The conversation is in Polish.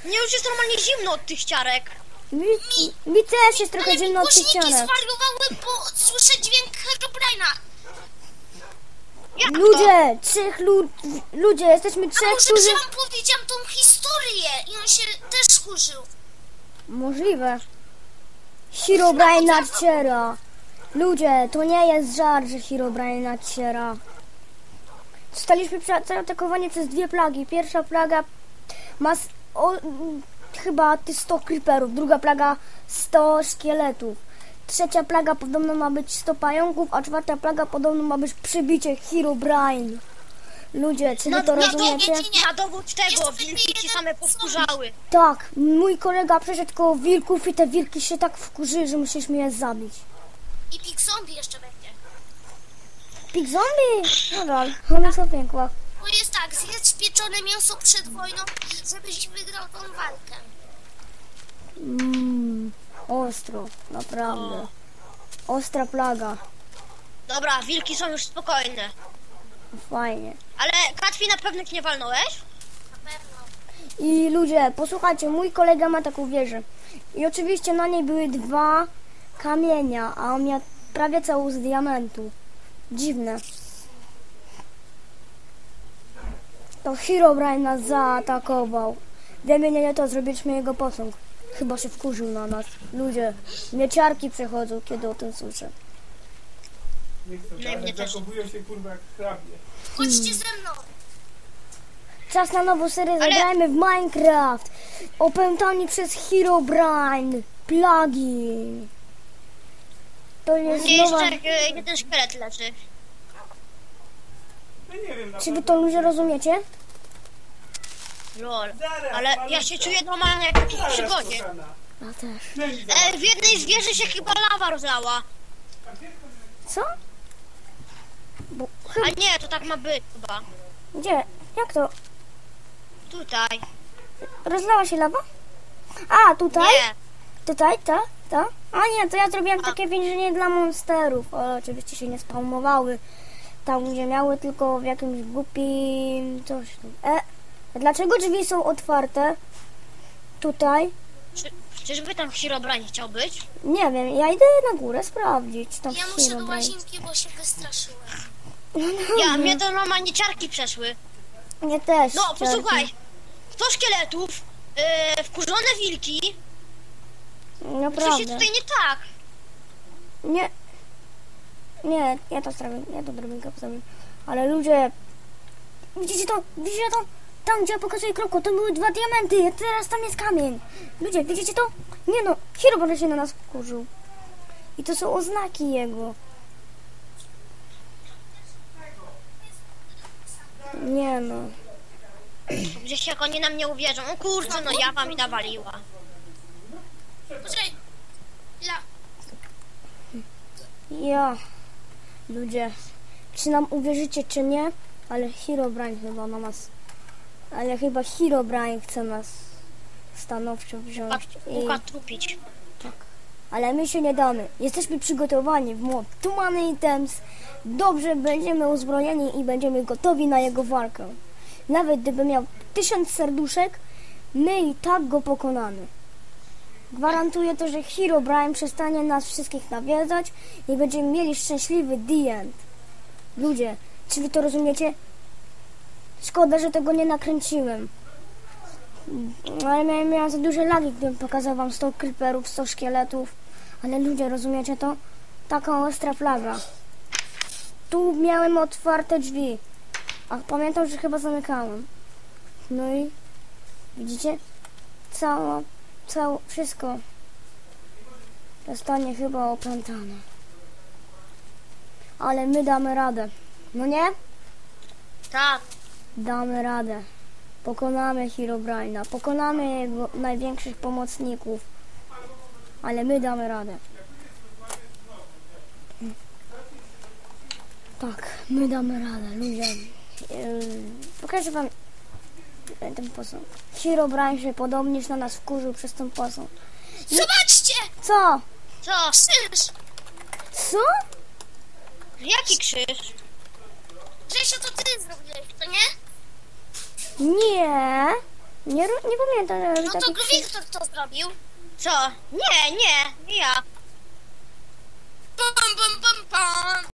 Mnie już jest normalnie zimno od tych ciarek. Mi też jest trochę zimno od tych Głośniki ciarek. zwariowały, bo słyszę dźwięk Herobrine'a. Ludzie, jesteśmy A trzech, może którzy... że wam powiedziałam tą historię i on się też skurzył. Możliwe. Herobrine nadciera. Ludzie, to nie jest żart, że Herobrine nadciera. Zostaliśmy zaatakowani przez dwie plagi. Pierwsza plaga ma chyba 100 creeperów, druga plaga 100 szkieletów. Trzecia plaga podobno ma być 100 pająków, a czwarta plaga podobno ma być przybicie Herobrine. Ludzie, czy wy to rozumiecie? Na dowód tego wilki ci same powkurzały. Tak, mój kolega przeszedł koło wilków i te wilki się tak wkurzyły, że musieliśmy je zabić. I Pig Zombie jeszcze będzie. Pig Zombie? Nadal, one są piękne. Bo jest tak, zjedz pieczone mięso przed wojną, żebyś wygrał tą walkę. Ostro, naprawdę. Ostra plaga. Dobra, wilki są już spokojne. Fajnie. Ale Katwi na pewno nie walnąłeś? Na pewno. I ludzie, posłuchajcie, mój kolega ma taką wieżę. I oczywiście na niej były 2 kamienia, a on miał prawie całą z diamentu. Dziwne. To Herobrine nas zaatakował. Wiemy, nie to, zrobiliśmy jego posąg. Chyba się wkurzył na nas. Ludzie, mieciarki przechodzą, kiedy o tym słyszę. Nie chcę, Nie, ale mnie też. zachowują się kurwa jak hrabie. Chodźcie ze mną. Czas na nową serię, zagrajmy w Minecraft. Opętani przez Herobrine. Plagi. To jest Nie, nowa... jeszcze jeden szkielet leży. No nie wiem, Czy wy to ludzie rozumiecie? Lol. Zaraz, Ale ja malutko. się czuję normalnie jak w jakiejś Zaraz, przygodzie. kochana. Ja też. Daj mi zaraz. W jednej z wieży się chyba lawa rozlała. Co? Bo... A nie, to tak ma być chyba. Gdzie? Jak to? Tutaj. Rozlała się lawa? A, tutaj? Nie. Tutaj, ta? A nie, to ja zrobiłam takie więzienie dla monsterów, ale oczywiście się nie spawnowały tam, gdzie miały, tylko w jakimś głupim coś tam. Dlaczego drzwi są otwarte? Tutaj? Czyżby tam Herobrine chciał być? Nie wiem, ja idę na górę sprawdzić. Tam Ja muszę do Herobrine. łazienki, bo się wystraszyłem. Mnie to normalnie ciarki przeszły. Nie też. No, ciarki. posłuchaj. 100 szkieletów, wkurzone wilki. Coś jest Naprawdę. tutaj nie tak. Nie, ja to zrobię, ja to drobinkę postawię. Ale ludzie, widzicie to? Widzicie to? Tam, gdzie ja pokazuję kropką, to były 2 diamenty, a teraz tam jest kamień. Ludzie, widzicie to? Nie no, Herobrine się na nas wkurzył. I to są oznaki jego. Nie no. Gdzieś jak oni nam nie uwierzą. O kurczę, no ja wam mi nawaliła. Poczekaj. La. Ja. Ludzie, czy nam uwierzycie, czy nie? Ale Herobrine chyba na nas... Ale chyba Herobrine chce nas stanowczo wziąć. Łuka trupić. Ale my się nie damy. Jesteśmy przygotowani w mod Tumany Items. Dobrze będziemy uzbrojeni i będziemy gotowi na jego walkę. Nawet gdyby miał 1000 serduszek, my i tak go pokonamy. Gwarantuję to, że Herobrine przestanie nas wszystkich nawiedzać i będziemy mieli szczęśliwy the end. Ludzie, czy wy to rozumiecie? Szkoda, że tego nie nakręciłem. Ale miałem za duże lagi, gdybym pokazał wam 100 creeperów, 100 szkieletów. Ale ludzie, rozumiecie to? Taka ostra plaga. Tu miałem otwarte drzwi. A pamiętam, że chyba zamykałem. No i widzicie? Wszystko zostanie chyba opętane. Ale my damy radę. No nie? Tak. Damy radę. Pokonamy Herobrine'a. Pokonamy jego największych pomocników. Ale my damy radę. Tak, my damy radę, ludzie. Pokażę wam ten posąg. Herobrine się podobnież na nas wkurzył przez ten posąg. Zobaczcie! Co? Co? Krzyż! Co? Jaki krzyż? Grzesiu, to ty zrobiłeś, to nie? Nie. Nie pamiętam, żeby No to taki... Wiktor to zrobił. Co? Nie ja.